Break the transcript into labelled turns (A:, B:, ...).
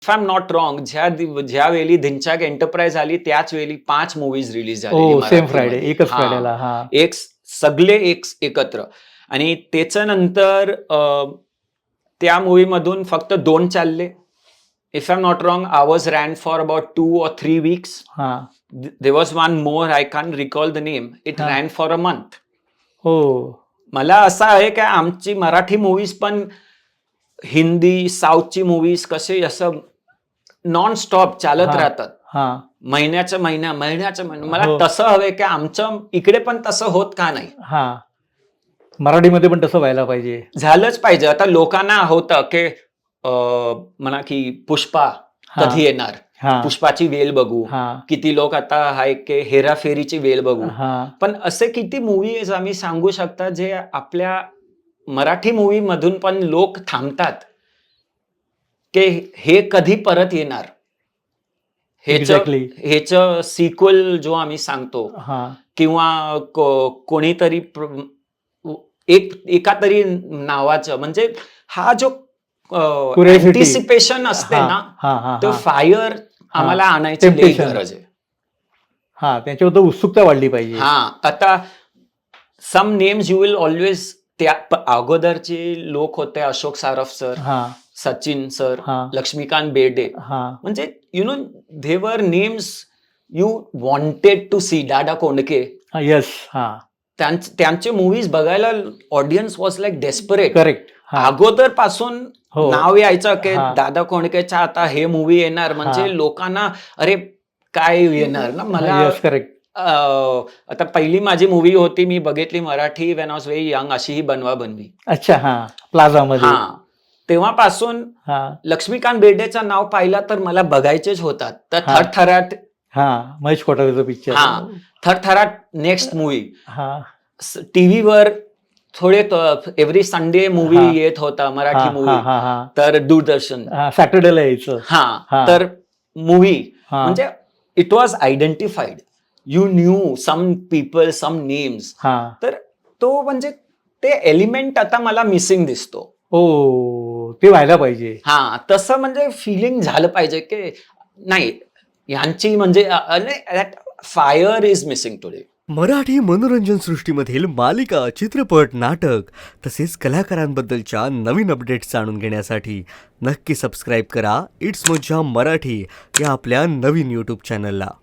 A: If I am not wrong, ज्या वेळी Dhinchak enterprise आली त्याच वेळी 5 मूवीज रिलीज झालेली
B: सेम फ्रायडे,
A: मराठीमध्ये.
B: एकच
A: हा.
B: फ्रायडेला. हा
A: एक सगळे एकत्र. आणि त्याच्यानंतर त्या मूवी मधून फक्त 2 चालले. If I am not wrong, ours ran for about 2 or 3 weeks.
B: हा
A: there was one more, I can recall the name. It
B: हा.
A: Ran for a month.
B: हो
A: मला असं आहे की आमची मराठी मूवीज पण हिंदी, साऊथची मूवीज कसे असं नॉन स्टॉप चालत
B: हा.
A: राहतात.
B: हा
A: महिन्याच्या महिना. मला
B: हो.
A: तसं हवंय की आमचं इकडे पण तसं होत का नाही.
B: हा मराठीमध्ये पण तसं व्हायला पाहिजे.
A: झालंच पाहिजे. आता लोकांना होतं की म्हणा की पुष्पा
B: हा.
A: कधी येणार,
B: हा
A: पुष्पाची वेळ बघू.
B: हा
A: किती लोक आता आहे की हेराफेरीची वेळ बघू.
B: हा
A: पण असे किती मूवीज आम्ही सांगू शकता जे आपल्या मराठी मूवी मधून पण लोक थांबतात की हे कधी परत येणार.
B: एक्झॅक्टली.
A: हेच सिक्वल जो आम्ही सांगतो
B: हा
A: किंवा कोणीतरी एका तरी नावाचं, म्हणजे हा जो
B: Curiosity.
A: अँटिसिपेशन असते
B: हा
A: ना,
B: हा हा
A: तो
B: हा
A: फायर
B: हा.
A: आम्हाला आणायची लई
B: Temptation.
A: गरज आहे.
B: हा त्यांच्याबद्दल उत्सुकता वाढली पाहिजे.
A: हा. आता some names you will always, त्या अगोदरचे लोक होते अशोक सारफ सर,
B: हा
A: सचिन सर,
B: हा
A: लक्ष्मीकांत बेर्डे.
B: हा
A: म्हणजे their names you wanted to see. Dada Kondke,
B: yes. हा
A: त्यांचे मूवीज बघायला audience was like desperate.
B: Correct. हा
A: अगोदर पासून
B: हो.
A: नाव यायचं की
B: हा.
A: दादा कोंडकेचा आता हे मूवी येणार, म्हणजे
B: हा.
A: लोकांना अरे काय येणार ना. मला
B: येस करेक्ट.
A: आता पहिली माझी मूवी होती, मी बघितली Marathi when was very young, अशी ही बनवा बनवी.
B: अच्छा. हा प्लाझा मध्ये.
A: हा. तेव्हापासून
B: हा
A: लक्ष्मीकांत बेर्डेचं नाव पाहिलं तर मला बघायचेच होतात. तर
B: हा.
A: थरथराट.
B: हा महेश कोठारेचा पिक्चर.
A: हा. Thartharat next movie.
B: हा
A: टीव्हीवर थोडे एव्हरी संडे मूवी
B: हा.
A: येत होता, मराठी
B: हा
A: मूवी.
B: हा हा
A: तर दूरदर्शन.
B: सॅटर्डेला यायचं.
A: हा.
B: हा.
A: तर मूवी
B: हा.
A: म्हणजे it was identified. You knew some people, some names.
B: हा
A: तर तो म्हणजे ते एलिमेंट आता मला मिसिंग दिसतो.
B: ते व्हायला पाहिजे.
A: हा. तसं म्हणजे फिलिंग झालं पाहिजे की नाही यांची म्हणजे fire is missing today.
C: Marathi मनोरंजन सृष्टीमधील मालिका, चित्रपट, नाटक तसेच कलाकारांबद्दलच्या नवीन अपडेट्स जाणून घेण्यासाठी नक्की सबस्क्राईब करा इट्स मज्जा मराठी या आपल्या नवीन यूट्यूब चॅनलला.